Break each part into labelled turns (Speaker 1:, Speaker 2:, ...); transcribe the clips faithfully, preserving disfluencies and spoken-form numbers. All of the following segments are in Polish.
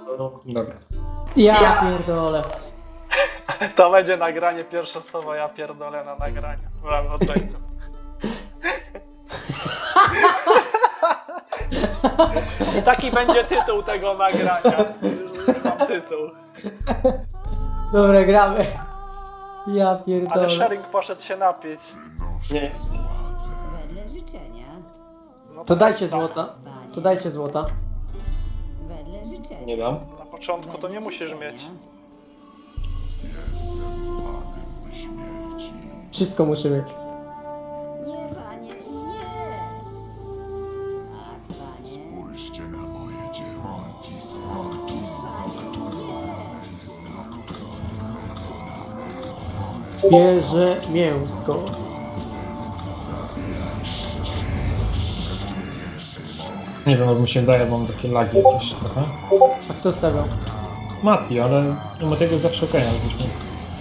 Speaker 1: Dobra.
Speaker 2: Ja, ja pierdolę.
Speaker 3: To będzie nagranie, pierwsze słowo ja pierdolę na nagraniu. Brawo, Drake'u. I taki będzie tytuł tego nagrania. Już, już mam tytuł.
Speaker 2: Dobra, gramy. Ja pierdolę.
Speaker 3: Ale Sharing poszedł się napić.
Speaker 1: Nie, jestem.
Speaker 4: Wedle życzenia.
Speaker 3: No
Speaker 2: To dajcie
Speaker 3: jest sam.
Speaker 2: złota. To dajcie złota.
Speaker 4: Wedle życzenia.
Speaker 1: Nie dam.
Speaker 3: Na początku to nie musisz mieć.
Speaker 2: Wszystko muszę mieć.
Speaker 4: Nie, panie, nie. Tak, panie.
Speaker 5: Spójrzcie na moje dzieło.
Speaker 2: Bierze mięsko.
Speaker 1: Nie wiem, jak mi się wydaje, bo mam takie lagi jakieś trochę.
Speaker 2: A kto stawiał?
Speaker 1: Mati, ale no Matiego zawsze okej, ale coś mi...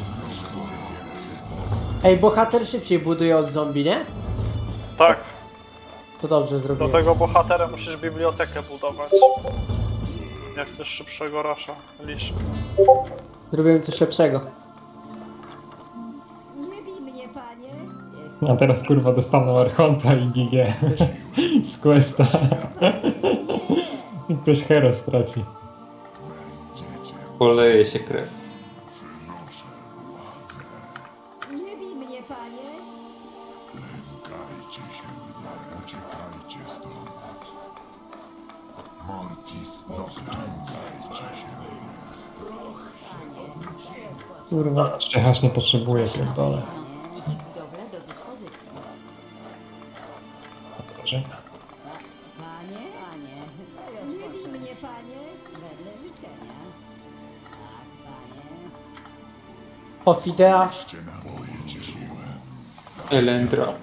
Speaker 2: Ej, bohater szybciej buduje od zombie, nie?
Speaker 3: Tak.
Speaker 2: To dobrze
Speaker 3: Do
Speaker 2: zrobiłem.
Speaker 3: tego bohatera musisz bibliotekę budować. Jak chcesz szybszego rasza. Lisz.
Speaker 2: Zrobiłem coś lepszego.
Speaker 4: Nie bij mnie, panie. Jest
Speaker 1: A teraz kurwa dostaną Archonta i G G z Questa. I ktoś hero straci.
Speaker 6: Poleje się krew.
Speaker 4: Nie bij mnie, panie.
Speaker 5: Lękajcie się mnie, uciekajcie stąd. Mortis, lękajcie się mnie.
Speaker 2: Kurwa.
Speaker 1: Szczechasz nie potrzebuje, pierdolę.
Speaker 4: Jednostki i budowle do dyspozycji.
Speaker 1: Dobrze.
Speaker 4: Panie, panie. Nie bij mnie, panie. Wedle życzenia. Tak, panie.
Speaker 2: Ofidea.
Speaker 5: Spójrzcie na moje dzieło.
Speaker 6: Elendra.
Speaker 1: To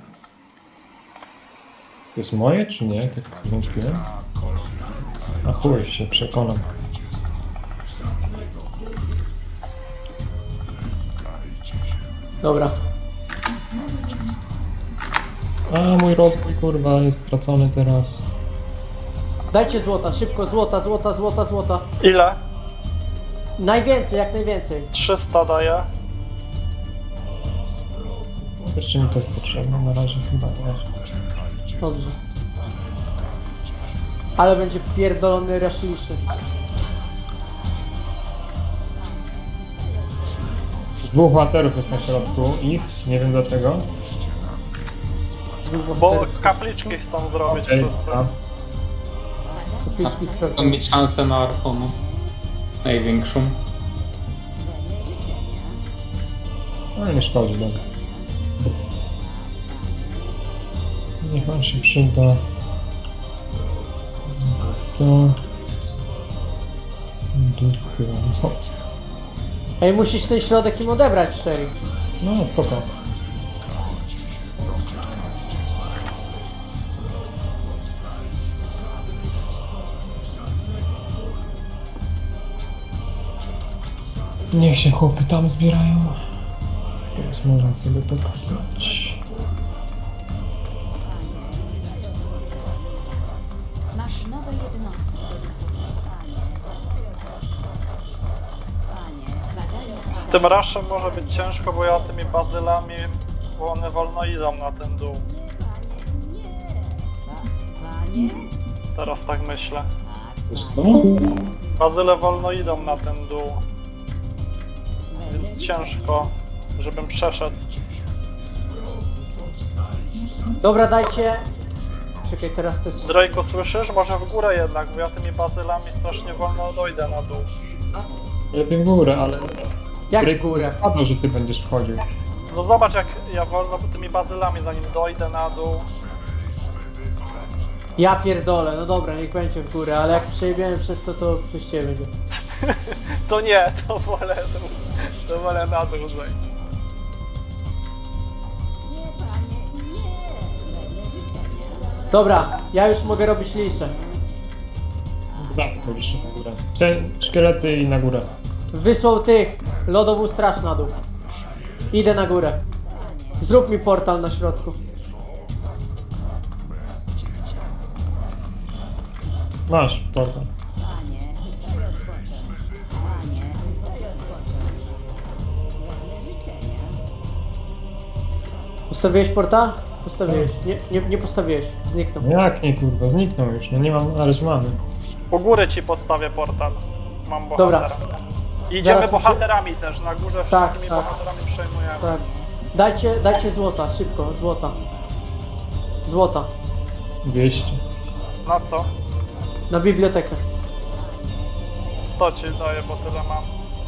Speaker 1: jest moje, czy nie? Tak zwątpiłem. A chuj, się przekonam.
Speaker 2: Dobra.
Speaker 1: A mój rozwój kurwa jest stracony teraz.
Speaker 2: Dajcie złota, szybko, złota, złota, złota, złota.
Speaker 3: Ile?
Speaker 2: Najwięcej, jak najwięcej.
Speaker 3: trzysta daję.
Speaker 1: Jeszcze mi to jest potrzebne, na razie chyba nie.
Speaker 2: Dobrze. Ale będzie pierdolony raszliszy.
Speaker 1: Dwóch bohaterów jest na środku ich, nie wiem dlaczego.
Speaker 2: Dwóch
Speaker 3: Bo
Speaker 2: bohaterów.
Speaker 3: kapliczki chcą zrobić
Speaker 1: Ej,
Speaker 3: wszyscy.
Speaker 1: a,
Speaker 2: Kapliczki
Speaker 6: To
Speaker 2: sprawdzą.
Speaker 6: mieć szansę na Archonu. Największą.
Speaker 4: Wedle życzenia.
Speaker 1: no nie szkodzi, dobra. Niech on się przyda. To... Do...
Speaker 2: Ej, musisz ten środek im odebrać, Sherry.
Speaker 1: No spoko. Niech się chłopy tam zbierają. Teraz można sobie to kupić.
Speaker 4: Masz nowe jednostki do dyspozycji. Panie, badania...
Speaker 3: Z tym raszem może być ciężko, bo ja tymi bazylami, bo one wolno idą na ten dół.
Speaker 4: Panie?
Speaker 3: Teraz tak myślę.
Speaker 1: Wiesz co?
Speaker 3: Bazyle wolno idą na ten dół, więc ciężko, żebym przeszedł.
Speaker 2: Dobra, dajcie. Czekaj, teraz to jest...
Speaker 3: Drake'u, słyszysz? Może w górę jednak, bo ja tymi bazylami strasznie wolno dojdę na dół.
Speaker 1: Lepiej w górę, ale...
Speaker 2: Jak
Speaker 1: Drake
Speaker 2: w górę?
Speaker 1: Padło, że ty będziesz wchodził.
Speaker 3: No zobacz, jak ja wolno tymi bazylami, zanim dojdę na dół.
Speaker 2: Ja pierdolę, no dobra, niech będzie w górę, ale jak przejebiemy przez to, to przez ciebie będzie.
Speaker 3: To nie, to wolę dół. To wolę na dół zejść.
Speaker 4: Nie, panie, nie! Wedle życzenia.
Speaker 2: Dobra, ja już mogę robić liszę.
Speaker 1: Dwa policzę na górę. Ten, szkielety i na górę.
Speaker 2: Wysłał tych, lodową straż na dół. Idę na górę. Zrób mi portal na środku.
Speaker 1: Masz, portal.
Speaker 4: Panie, chcę odpocząć.
Speaker 2: Postawiłeś portal? Postawiłeś. Nie, nie, nie postawiłeś. Zniknął.
Speaker 1: No jak nie kurwa, zniknął już, no nie mam, ależ mamy.
Speaker 3: U góry ci postawię portal. Mam
Speaker 2: Dobra.
Speaker 3: bohatera. I idziemy
Speaker 2: Zaraz
Speaker 3: bohaterami też, na górze
Speaker 2: Tak,
Speaker 3: wszystkimi
Speaker 2: tak.
Speaker 3: bohaterami przejmujemy.
Speaker 2: Tak. Dajcie, dajcie złota, szybko, złota. Złota.
Speaker 1: dwieście.
Speaker 3: Na co?
Speaker 2: Na bibliotekę.
Speaker 3: sto ci daję, bo tyle mam.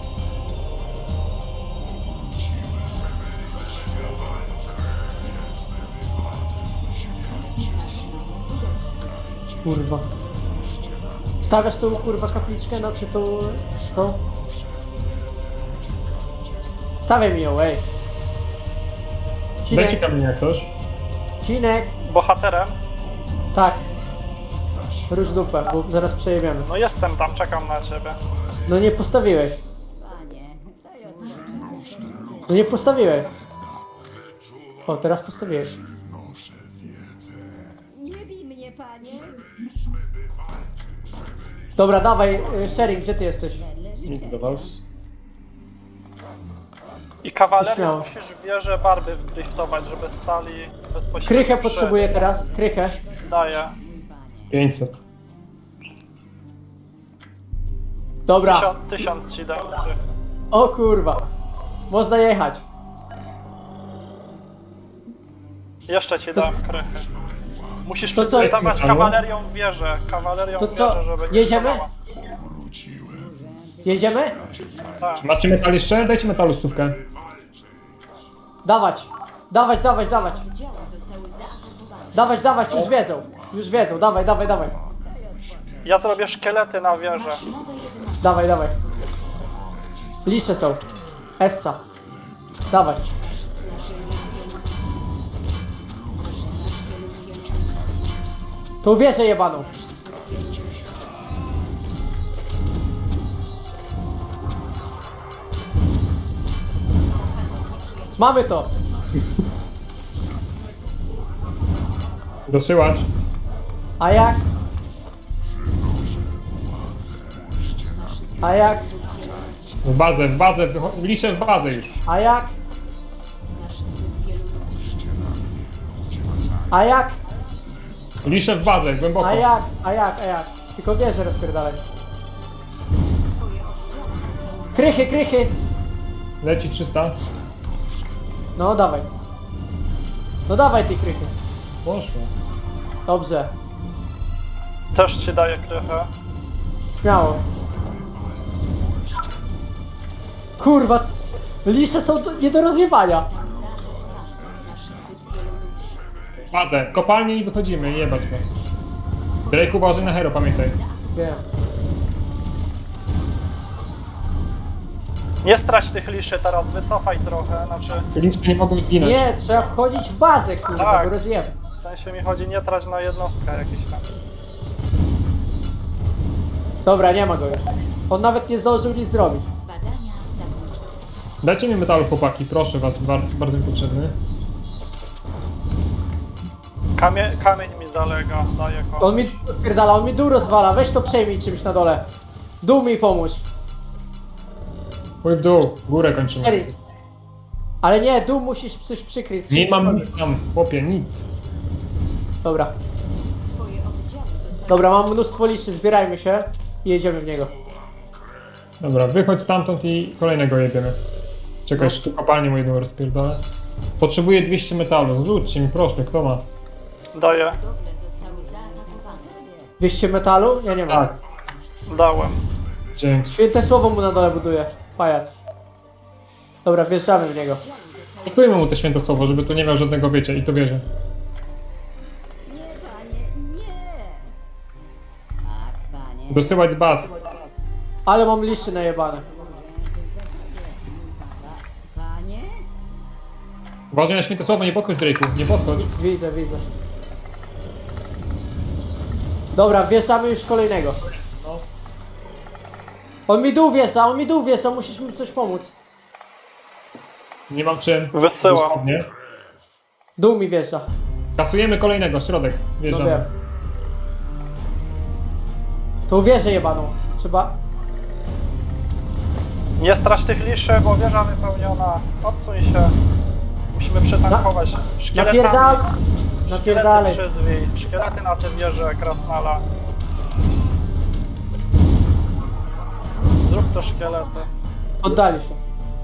Speaker 2: Kurwa. Stawiasz tą kurwa kapliczkę, no czy tą... tą? Stawiaj mi ją, ej.
Speaker 1: Dajcie
Speaker 2: Cinek,
Speaker 1: kamienia ktoś.
Speaker 2: Cinek.
Speaker 3: Bohaterem?
Speaker 2: Tak. Rusz dupę, bo zaraz przejebiemy.
Speaker 3: No jestem tam, czekam na ciebie.
Speaker 2: No nie postawiłeś. No nie postawiłeś. O, teraz postawiłeś.
Speaker 4: Nie bij mnie, panie.
Speaker 2: Dobra, dawaj, y, Sharing, gdzie ty jesteś?
Speaker 1: Idę do was.
Speaker 3: I kawalerią
Speaker 2: Śmiało.
Speaker 3: musisz w wieżę barby driftować, żeby stali bezpośrednio
Speaker 2: Krychę
Speaker 3: przy-
Speaker 2: potrzebuję teraz, krychę.
Speaker 3: Daję.
Speaker 1: pięćset.
Speaker 2: Dobra.
Speaker 3: Tysiąc, tysiąc ci dam. Krychy.
Speaker 2: O kurwa. Można jechać.
Speaker 3: Jeszcze ci dam krychy. Musisz
Speaker 2: To co?
Speaker 3: przygotować
Speaker 1: Halo?
Speaker 3: kawalerią w wieżę. Kawalerią
Speaker 2: To
Speaker 3: w
Speaker 2: co?
Speaker 3: wieżę, żeby nie
Speaker 2: Jedziemy?
Speaker 3: strzelała.
Speaker 2: Jedziemy?
Speaker 3: Tak.
Speaker 1: Macie metal jeszcze? Dajcie metalu stówkę.
Speaker 2: Dawać. Dawać, dawać, dawać.
Speaker 4: Oddziały zostały zaatakowane.
Speaker 2: Dawać, dawać, już wiedzą. Już wiedzą, dawaj, dawaj, dawaj.
Speaker 3: Ja zrobię szkielety na wieżę.
Speaker 4: Nowe jednostki.
Speaker 2: Dawaj, dawaj. Lisze są. Essa. Dawaj. Tą wieżę jebaną. Mamy to.
Speaker 1: Dosyłać.
Speaker 2: A jak? A jak?
Speaker 1: W bazę, w bazę, wycho- liszę w bazę już.
Speaker 2: A jak?
Speaker 4: Masz zbyt wielu ludzi.
Speaker 2: A jak?
Speaker 1: Liszę w bazę, głęboko.
Speaker 2: A jak? A jak? A jak? Tylko wieżę rozpierdalaj.
Speaker 4: Twoje oddziały zostały
Speaker 2: Krychy, krychy!
Speaker 1: Leci trzysta.
Speaker 2: No dawaj. No dawaj ty krychy.
Speaker 1: Poszło.
Speaker 2: Dobrze.
Speaker 3: Też ci daję krychę.
Speaker 2: Śmiało. Kurwa. Lisze są do, nie do rozjebania.
Speaker 4: zaatakowane. Masz zbyt wielu ludzi.
Speaker 1: W bazę, kopalnie i wychodzimy, jebać go. Drake uważaj na hero, pamiętaj.
Speaker 2: Wiem.
Speaker 3: Nie strać tych liszy teraz, wycofaj trochę, znaczy
Speaker 1: Liczby nie mogą zginąć.
Speaker 2: Nie, trzeba wchodzić w bazę, kurwa,
Speaker 3: Tak.
Speaker 2: bo rozjeb.
Speaker 3: w sensie mi chodzi nie trać na jednostkę jakiś tam.
Speaker 2: Dobra, nie ma go już. On nawet nie zdążył nic zrobić.
Speaker 4: Badania zakończone.
Speaker 1: Dajcie mi metalu, chłopaki, proszę was, bardzo, bardzo mi potrzebny.
Speaker 3: Kamie, kamień mi zalega, daję go.
Speaker 2: On mi pierdala, on mi dół rozwala. Weź to przejmij czymś na dole. Dół mi pomóż.
Speaker 1: Pójdź w dół, górę kończymy.
Speaker 2: Eri. Ale nie, dół musisz coś przykryć.
Speaker 1: Nie
Speaker 2: czymś
Speaker 1: mam
Speaker 2: tam.
Speaker 1: nic tam, chłopie, nic.
Speaker 2: Dobra.
Speaker 4: Twoje oddziały zostały
Speaker 2: Dobra, mam mnóstwo liszy, zbierajmy się i jedziemy w niego.
Speaker 1: Dobra, wychodź stamtąd i kolejnego jedziemy. Czekaj,
Speaker 2: No.
Speaker 1: tu kopalnię mu jedną rozpierdolę. Potrzebuję dwieście metalu, rzućcie mi proszę, kto ma?
Speaker 3: Daję,
Speaker 4: budowle zostały zaatakowane.
Speaker 2: dwieście metalu? Ja nie mam.
Speaker 1: Tak,
Speaker 3: dałem.
Speaker 1: dzięki.
Speaker 2: Święte słowo mu na dole buduje. Pajac. Dobra, wjeżdżamy w niego.
Speaker 4: Oddziały zostały
Speaker 1: Stosujmy mu te święte słowo, żeby tu nie miał żadnego wiecie i to wierzę.
Speaker 4: Nie, panie, nie! Tak, panie.
Speaker 1: Dosyłać z baz.
Speaker 2: Ale mam liszy najebane.
Speaker 4: Panie?
Speaker 1: Uważaj na święte słowo, nie podchodź Drake'u, nie podchodź.
Speaker 2: Widzę, widzę. Dobra, wjeżdżamy już kolejnego.
Speaker 1: No.
Speaker 2: On mi dół wjeżdża, on mi dół wjeżdża, musisz mi coś pomóc.
Speaker 1: Nie mam czym.
Speaker 3: Wysyłam.
Speaker 1: Dosłownie.
Speaker 2: Dół mi wjeżdża.
Speaker 1: Kasujemy kolejnego, środek.
Speaker 2: No wiem.
Speaker 1: Wjeżdżamy.
Speaker 2: Tą wieżę jebaną. Trzeba...
Speaker 3: Nie strać tych liszy, bo wieża wypełniona. Odsuń się. Musimy przetankować. Szkieletami.
Speaker 2: Napierdal...
Speaker 3: Szkielety
Speaker 2: Napierdalej.
Speaker 3: przyzwij. Szkielety na tym wieże Krasnala. Zrób te szkielety.
Speaker 2: Oddali się.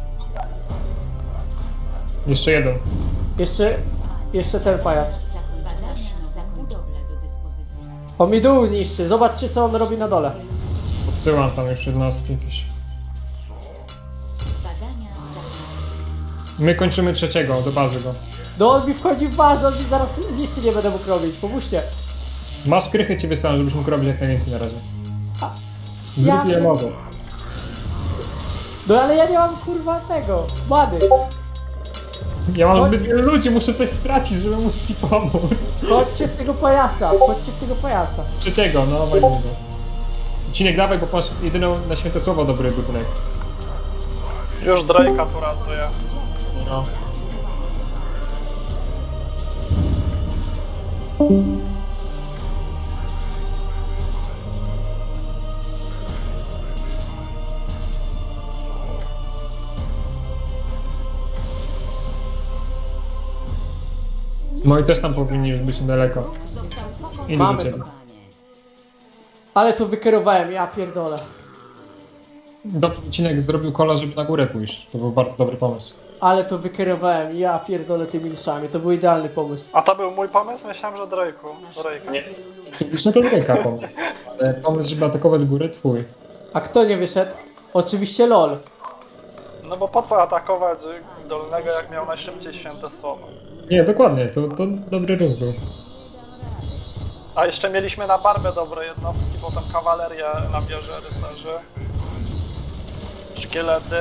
Speaker 1: Jeszcze jeden.
Speaker 2: Jeszcze... Jeszcze ten pajac.
Speaker 4: Zakon badania zakon budowla do dyspozycji.
Speaker 2: On mi dół niszczy, zobaczcie co on robi na dole.
Speaker 1: Odsyłam tam już jednostki jakieś.
Speaker 4: Badania zakon.
Speaker 1: My kończymy trzeciego, do bazy go.
Speaker 2: No on mi wchodzi w bazę, on mi zaraz niszczy nie będę mógł robić, pomóżcie.
Speaker 1: Masz krychę ci wysłałem, żebyś mógł robić jak najwięcej na razie. Zrób
Speaker 2: Ja-
Speaker 1: ile mogę.
Speaker 2: No ale ja nie mam kurwa tego, mady.
Speaker 1: Ja mam
Speaker 2: Chodź.
Speaker 1: zbyt wielu ludzi, muszę coś stracić, żeby móc ci pomóc.
Speaker 2: Chodźcie w tego pajaca, chodźcie w tego pajaca.
Speaker 1: Trzeciego, no walimy go. Cinek dawaj, bo masz jedyną na święte słowo dobry budynek.
Speaker 3: Już Drake'a tu ratuje.
Speaker 1: No. No i też tam powinni już być niedaleko.
Speaker 4: Został pokonany.
Speaker 1: Idę
Speaker 2: Mamy
Speaker 1: do ciebie.
Speaker 2: to. Ale to wykierowałem, ja pierdolę.
Speaker 1: Dobrze, Cinek zrobił kola, żeby na górę pójść. To był bardzo dobry pomysł.
Speaker 2: Ale to wykierowałem, ja pierdolę tymi niszami, to był idealny pomysł.
Speaker 3: A to był mój pomysł? Myślałem, że Drake'u.
Speaker 4: Masz
Speaker 3: Drake'a.
Speaker 4: zbyt wielu ludzi.
Speaker 1: Oczywiście to Drake'a pomysł. Ale pomysł, żeby atakować górę, twój.
Speaker 2: A kto nie wyszedł? Oczywiście LOL.
Speaker 3: No bo po co atakować Dolnego, jak miał najszybciej święte słowo?
Speaker 1: Nie, dokładnie, to, to dobry ruch był.
Speaker 3: A jeszcze mieliśmy na barbę dobre jednostki, potem kawalerię na wieży rycerzy. Szkielety.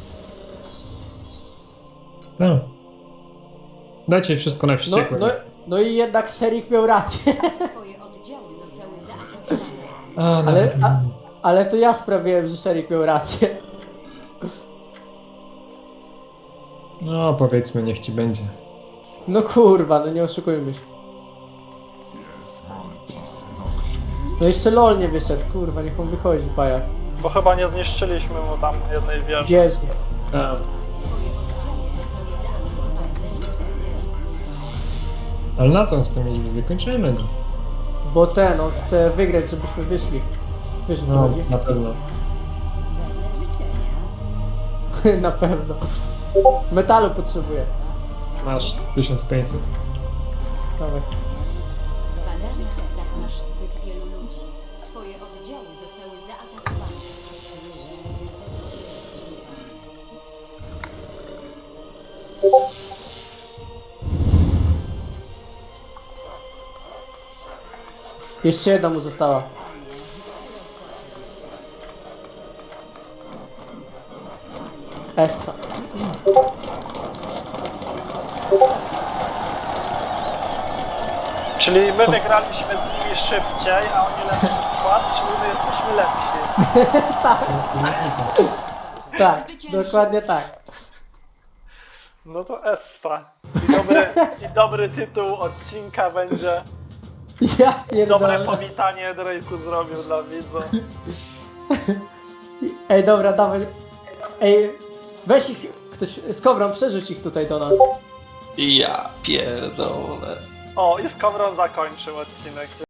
Speaker 1: No. Dajcie wszystko na
Speaker 2: No,
Speaker 1: wściekłe.
Speaker 2: no, no i jednak szerik miał rację.
Speaker 4: Twoje oddziały zostały zaatakowane.
Speaker 1: A,
Speaker 2: Ale,
Speaker 1: nawet...
Speaker 2: a, ale to ja sprawiłem, że szerik miał rację.
Speaker 1: No, powiedzmy, niech ci będzie.
Speaker 2: No kurwa, no nie oszukujmy się.
Speaker 5: Jest mortis noctis.
Speaker 2: No jeszcze LOL nie wyszedł, kurwa, niech on wychodzi, pajac.
Speaker 3: Bo chyba nie zniszczyliśmy mu tam jednej wieży.
Speaker 2: Wieży.
Speaker 1: A,
Speaker 4: Twoje oddziały zostały zaatakowane.
Speaker 1: ale na co on chce mieć wizję? Kończymy go.
Speaker 2: Bo ten, on chce wygrać, żebyśmy wyszli. Wiesz, o co
Speaker 1: No,
Speaker 2: chodzi?
Speaker 1: na pewno.
Speaker 2: Na pewno. Metalu potrzebuję.
Speaker 1: Masz tysiąc pięćset.
Speaker 2: Dawaj.
Speaker 4: Badania zakon. Masz zbyt wielu ludzi. Twoje oddziały zostały zaatakowane.
Speaker 2: Jeszcze jedna mu została. Essa.
Speaker 3: Czyli my wygraliśmy z nimi szybciej, a oni lepszy skład, czyli my jesteśmy lepsi.
Speaker 2: Tak, dokładnie tak.
Speaker 3: No to Essa. I dobry, i dobry tytuł odcinka będzie.
Speaker 2: Ja
Speaker 3: Dobre
Speaker 2: pierdolę.
Speaker 3: powitanie Drake'u zrobił dla widzów.
Speaker 2: Ej, dobra, dawaj. Ej, weź ich, ktoś z kowrą, przerzuć ich tutaj do nas.
Speaker 6: Ja pierdolę.
Speaker 3: O, i z Kowron zakończył odcinek.